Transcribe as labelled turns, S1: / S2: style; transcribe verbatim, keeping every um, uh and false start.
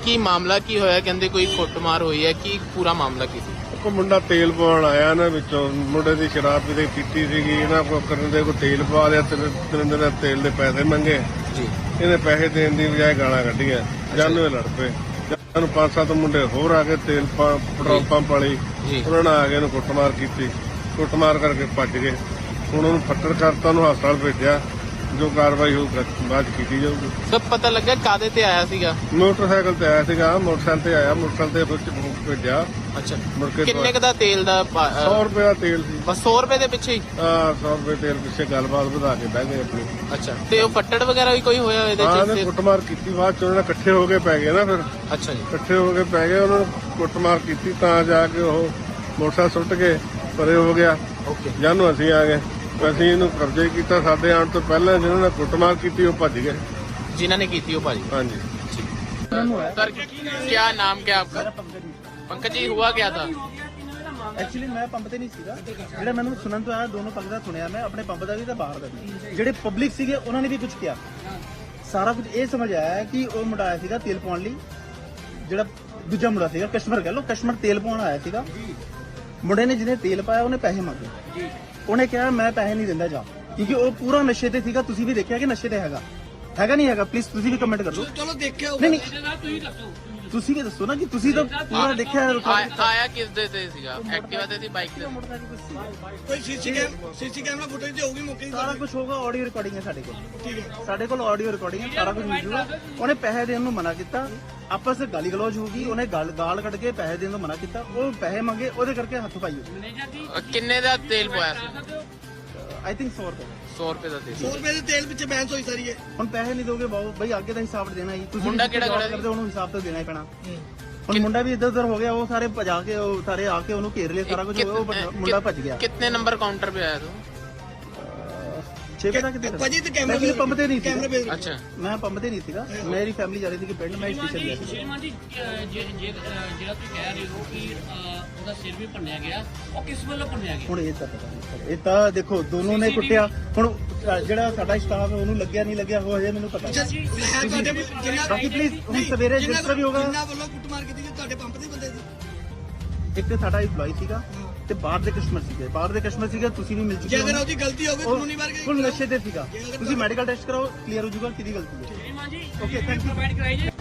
S1: ਕੀ ਮਾਮਲਾ ਕੀ ਹੋਇਆ? ਕਹਿੰਦੇ ਕੋਈ ਕੁੱਟਮਾਰ ਹੋਈ ਹੈ, ਕੀ ਪੂਰਾ ਮਾਮਲਾ ਕੀ ਸੀ?
S2: ਕੋ ਮੁੰਡਾ ਤੇਲ ਪਵਾਉਣ ਆਇਆ ਨਾ, ਵਿੱਚੋਂ ਮੁੰਡੇ ਦੀ ਸ਼ਰਾਬ ਵੀ ਦੇ ਪੀਤੀ ਸੀਗੀ, ਇਹਨਾਂ ਕੋ ਕਰਨ ਦੇ ਕੋ ਤੇਲ ਪਵਾ ਲਿਆ, ਤਿੰਨ ਦਿਨ ਤੇਲ ਦੇ ਪੈਸੇ ਮੰਗੇ
S1: ਜੀ।
S2: ਇਹਨੇ ਪੈਸੇ ਦੇਣ ਦੀ ਬਜਾਏ ਗਾਲਾਂ ਕੱਢੀਆਂ, ਜਾਨੂ ਲੜ ਪਏ। ਸਾਨੂੰ ਪੰਜ ਸੱਤ ਮੁੰਡੇ ਹੋਰ ਆ ਕੇ ਤੇਲ ਪੈਟਰੋਲ ਪੰਪ ਵਾਲੀ ਉਹਨਾਂ ਨੇ ਆ ਕੇ ਇਹਨੂੰ ਕੁੱਟਮਾਰ ਕੀਤੀ, ਕੁੱਟਮਾਰ ਕਰਕੇ ਭੱਜ ਗਏ। ਹੁਣ ਉਹਨੂੰ ਫੱਟੜ ਕਰਤਾ, ਉਹਨੂੰ ਹਸਪਤਾਲ ਭੇਜਿਆ, ਜੋ ਕਾਰਵਾਈ ਹੋਊ ਬਾਅਦ ਕੀਤੀ ਜਾਊਗੀ।
S1: ਸਭ ਪਤਾ ਲੱਗਾ ਕਾਦੇ ਤੇ ਆਇਆ ਸੀਗਾ?
S2: ਮੋਟਰਸਾਈਕਲ ਤੇ ਆਇਆ ਸੀਗਾ, ਮੋਟਰਸਾਈਕਲ ਤੇ ਆਇਆ, ਮੋਟਰਸਾਈਕਲ ਤੇ ਭੇਜਿਆ।
S1: ਅੱਛਾ,
S2: ਮੁੜ ਕੇ
S1: ਕਿੰਨੇ ਕ ਦਾ ਤੇਲ ਦਾ?
S2: ਸੌ ਰੁਪਏ ਦਾ ਤੇਲ ਸੀ
S1: ਬਸ। ਸੌ ਰੁਪਏ ਦੇ ਪਿੱਛੇ ਹੀ?
S2: ਹਾਂ, ਸੌ ਰੁਪਏ ਤੇਲ ਪਿੱਛੇ ਗੱਲਬਾਤ ਵਧਾ ਕੇ ਬਹਿ ਗਏ ਆਪਣੀ।
S1: ਅੱਛਾ, ਤੇ ਉਹ ਫੱਟੜ ਵਗੈਰਾ ਵੀ ਕੋਈ ਹੋਇਆ ਇਹਦੇ
S2: ਹਾਂ,
S1: ਚ?
S2: ਨੇ ਕੁੱਟਮਾਰ ਕੀਤੀ, ਬਾਅਦ ਚ ਉਹਨਾਂ ਨੇ ਇਕੱਠੇ ਹੋ ਕੇ ਪੈ ਗਏ ਨਾ, ਫਿਰ
S1: ਅੱਛਾ ਜੀ,
S2: ਇਕੱਠੇ ਹੋ ਕੇ ਪੈ ਗਏ, ਉਹਨਾਂ ਨੂੰ ਕੁੱਟਮਾਰ ਕੀਤੀ, ਤਾਂ ਜਾ ਕੇ ਉਹ ਮੋਟਰਸਾਈਕਲ ਸੁੱਟ ਕੇ ਪਰੇ ਹੋ ਗਿਆ।
S1: ਓਕੇ,
S2: ਜਾਨੂੰ ਅਸੀਂ ਆ ਗਏ, ਅਸੀਂ ਇਹਨੂੰ ਕਬਜ਼ੇ ਕੀਤਾ। ਸਾਡੇ ਆਉਣ ਤੋਂ ਪਹਿਲਾਂ ਜਿਹਨਾਂ ਨੇ ਕੁੱਟਮਾਰ ਕੀਤੀ ਉਹ ਭੱਜ ਗਏ।
S1: ਜਿਨ੍ਹਾਂ ने की थी वो भाजी?
S2: हाँ जी।
S1: सर, क्या नाम क्या आपका? पंकज जी, हुआ क्या था?
S3: ਐਕਚੁਅਲੀ ਮੈਂ ਪੰਪ ਤੇ ਨਹੀਂ ਸੀਗਾ, ਜਿਹੜਾ ਮੈਨੂੰ ਸੁਣਨ ਤੋਂ ਆਇਆ, ਦੋਨੋਂ ਪੱਖ ਦਾ ਸੁਣਿਆ ਮੈਂ, ਆਪਣੇ ਪੰਪ ਦਾ ਵੀ ਤੇ ਬਾਹਰ ਦਾ ਵੀ। ਜਿਹੜੇ ਪਬਲਿਕ ਸੀਗੇ ਉਹਨਾਂ ਨੇ ਵੀ ਕੁਝ ਕਿਹਾ। ਸਾਰਾ ਕੁਝ ਇਹ ਸਮਝ ਆਇਆ ਕਿ ਉਹ ਮੁੰਡਾ ਆਇਆ ਸੀਗਾ ਤੇਲ ਪਾਉਣ ਲਈ, ਜਿਹੜਾ ਦੂਜਾ ਮੁੰਡਾ ਸੀਗਾ ਕਸਟਮਰ, ਕਹ ਲਓ ਕਸਟਮਰ, ਤੇਲ ਪਾਉਣ ਆਇਆ ਸੀਗਾ। ਮੁੰਡੇ ਨੇ ਜਿਹਨੇ ਤੇਲ ਪਾਇਆ ਉਹਨੇ ਪੈਸੇ ਮੰਗੇ, ਉਹਨੇ ਕਿਹਾ ਮੈਂ ਪੈਸੇ ਨਹੀਂ ਦਿੰਦਾ ਜਾ, ਕਿਉਂਕਿ ਉਹ ਪੂਰਾ ਨਸ਼ੇ ਤੇ ਸੀਗਾ। ਤੁਸੀਂ ਵੀ ਦੇਖਿਆ ਕਿ ਨਸ਼ੇ ਤੇ ਹੈਗਾ ਹੈਗਾ ਨਹੀਂ ਹੈਗਾ? ਪਲੀਜ਼ ਤੁਸੀਂ ਵੀ ਕਮੈਂਟ ਕਰ ਦਿਓ।
S4: ਚਲੋ ਦੇਖਿਆ
S3: ਨਹੀਂ ਨਹੀਂ, ਤੁਸੀਂ ਵੀ ਦੱਸੋ ਨਾ ਕਿ ਤੁਸੀਂ ਤਾਂ ਪੂਰਾ ਦੇਖਿਆ।
S1: ਆਇਆ ਆਇਆ ਕਿਸ ਦੇ ਤੇ ਸੀਗਾ? ਐਕਟਿਵਾ ਤੇ ਸੀ, ਬਾਈਕ ਤੇ?
S4: ਕੋਈ ਸੀਸੀ ਕੈਮ ਸੀਸੀ ਕੈਮਰਾ ਫੁਟੇਜ ਹੋਊਗੀ ਮੌਕੇ ਦੀ?
S3: ਸਾਰਾ ਕੁਝ ਹੋਗਾ, ਆਡੀਓ ਰਿਕਾਰਡਿੰਗ ਹੈ ਸਾਡੇ ਕੋਲ।
S4: ਠੀਕ ਹੈ,
S3: ਸਾਡੇ ਕੋਲ ਆਡੀਓ ਰਿਕਾਰਡਿੰਗ ਹੈ, ਸਾਰਾ ਕੁਝ ਮਿਲ ਜੂਗਾ। ਉਹਨੇ ਪੈਸੇ ਦੇਣ ਨੂੰ ਮਨਾ ਕੀਤਾ, ਆਪਸ ਵਿੱਚ ਗਾਲੀ ਗਲੋਚ ਹੋ ਗਈ, ਉਹਨੇ ਗਾਲ ਗਾਲ ਕੱਢ ਕੇ ਪੈਸੇ ਦੇਣ ਤੋਂ ਮਨਾ ਕੀਤਾ, ਉਹ ਪੈਸੇ ਮੰਗੇ, ਉਹਦੇ ਕਰਕੇ ਹੱਥ ਪਾਈ ਹੋਈ।
S1: ਕਿੰਨੇ ਦਾ ਤੇਲ ਪਵਾਇਆ ਸੀ?
S3: ਆਈ ਥਿੰਕ ਸੌ ਰੁਪਏ।
S1: ਸੌ ਰੁਪਏ ਦਾ ਤੇਲ।
S4: ਸੌ ਰੁਪਏ ਦੇ ਤੇਲ ਪਿੱਛੇ ਬੈਂਸ ਹੋਈ ਸਾਰੀ ਹੈ।
S3: ਹੁਣ ਪੈਸੇ ਨਹੀਂ ਦੋਗੇ ਬਾਬੂ ਬਈ, ਅੱਗੇ ਦਾ ਹਿਸਾਬ ਦੇਣਾ ਹੀ। ਤੁਸੀਂ
S1: ਮੁੰਡਾ ਕਿਹੜਾ ਕਿਹੜਾ
S3: ਕਰਦੇ, ਉਹਨੂੰ ਹਿਸਾਬ ਤਾਂ ਦੇਣਾ ਹੀ ਪੈਣਾ। ਹੁਣ ਮੁੰਡਾ ਵੀ ਇੱਧਰ ਉੱਧਰ ਹੋ ਗਿਆ, ਉਹ ਸਾਰੇ ਭਜਾ ਕੇ, ਉਹ ਸਾਰੇ ਆ ਕੇ ਉਹਨੂੰ ਘੇਰ ਲਿਆ, ਸਾਰਾ ਕੁਝ, ਉਹ ਮੁੰਡਾ ਭੱਜ ਗਿਆ।
S1: कितने नंबर काउंटर पे आया तू?
S3: ਛੇ ਵਜੇ ਤੱਕ ਕਿੱਥੇ?
S4: ਭਾਜੀ ਤੇ ਕੈਮਰਾ
S3: ਮੈਂ ਪੰਪ ਤੇ ਨਹੀਂ
S4: ਕੈਮਰਾ
S3: ਸੀ।
S4: ਭੇਜ ਦਿਓ।
S1: अच्छा,
S3: ਮੈਂ ਪੰਪ ਤੇ ਨਹੀਂ ਸੀਗਾ, ਮੇਰੀ ਫੈਮਿਲੀ ਜਾ ਰਹੀ ਸੀ ਕਿ ਪਿੰਡ, ਮੈਂ ਸਟੇਸ਼ਨ ਗਿਆ ਸੀ।
S5: ਸ਼੍ਰੀਮਾਨ ਜੀ, ਅਹ, ਜੇ- ਜੇ- ਅਹ, ਜਿਹੜਾ ਤੁਸੀਂ ਕਹਿ ਰਹੇ ਹੋ ਕਿ ਅਹ, ਉਹਦਾ ਸਿਰ ਵੀ ਭੰਨਿਆ ਗਿਆ, ਉਹ ਕਿਸ ਵੱਲੋਂ ਭੰਨਿਆ ਗਿਆ?
S3: ਹੁਣ ਇਹ ਤਾਂ ਪਤਾ ਨਹੀਂ, ਇਹ ਤਾਂ ਦੇਖੋ ਦੋਨੋਂ ਨੇ ਕੁੱਟਿਆ। ਹੁਣ ਅ, ਜਿਹੜਾ ਸਾਡਾ ਸਟਾਫ ਹੈ ਉਹਨੂੰ ਲੱਗਿਆ ਨਹੀਂ ਲੱਗਿਆ ਉਹ ਹਜੇ ਮੈਨੂੰ ਪਤਾ
S4: ਅੱਛਾ,
S3: ਨਹੀਂ।
S4: ਹੈ ਤੁਹਾਡੇ ਜਿੰਨਾ
S3: ਬਾਕੀ ਪਲੀਜ਼ ਹੁਣ ਸਵੇਰੇ ਜਿਸ ਤਰ੍ਹਾਂ ਵੀ ਹੋਗਾ।
S4: ਜਿੰਨਾ ਵੱਲੋਂ ਕੁੱਟਮਾਰ ਕੀਤੀ ਗਈ ਤੁਹਾਡੇ ਪੰਪ ਦੇ ਬੰਦੇ ਸੀ?
S3: ਇੱਕ ਸਾਡਾ EMPLOYE ਸੀਗਾ ਤੇ ਬਾਹਰ ਦੇ ਕਸਟਮਰ ਸੀਗੇ, ਬਾਹਰ ਦੇ ਕਸਟਮਰ ਸੀਗੇ, ਤੁਸੀਂ ਵੀ ਮਿਲ ਚੁੱਕੇ
S4: ਜੇ
S3: ਹੋ।
S4: ਅਗਰ ਉਹਦੀ ਗਲਤੀ ਹੋਵੇ ਕਾਨੂੰਨੀ ਵਾਰ
S3: ਫੁੱਲ ਨਸ਼ੇ ਤੇ ਸੀਗਾ, ਤੁਸੀਂ ਮੈਡੀਕਲ ਟੈਸਟ ਕਰਾਓ, ਕਲੀਅਰ ਹੋ ਜਾਊਗਾ ਕਿਹਦੀ ਗਲਤੀ ਹੈ।
S5: ਸ਼੍ਰੀਮਾਨ ਜੀ,
S3: ਓਕੇ, ਥੈਂਕ ਯੂ।
S5: ਪ੍ਰੋਵਾਈਡ ਕਰਾਈ ਜੀ।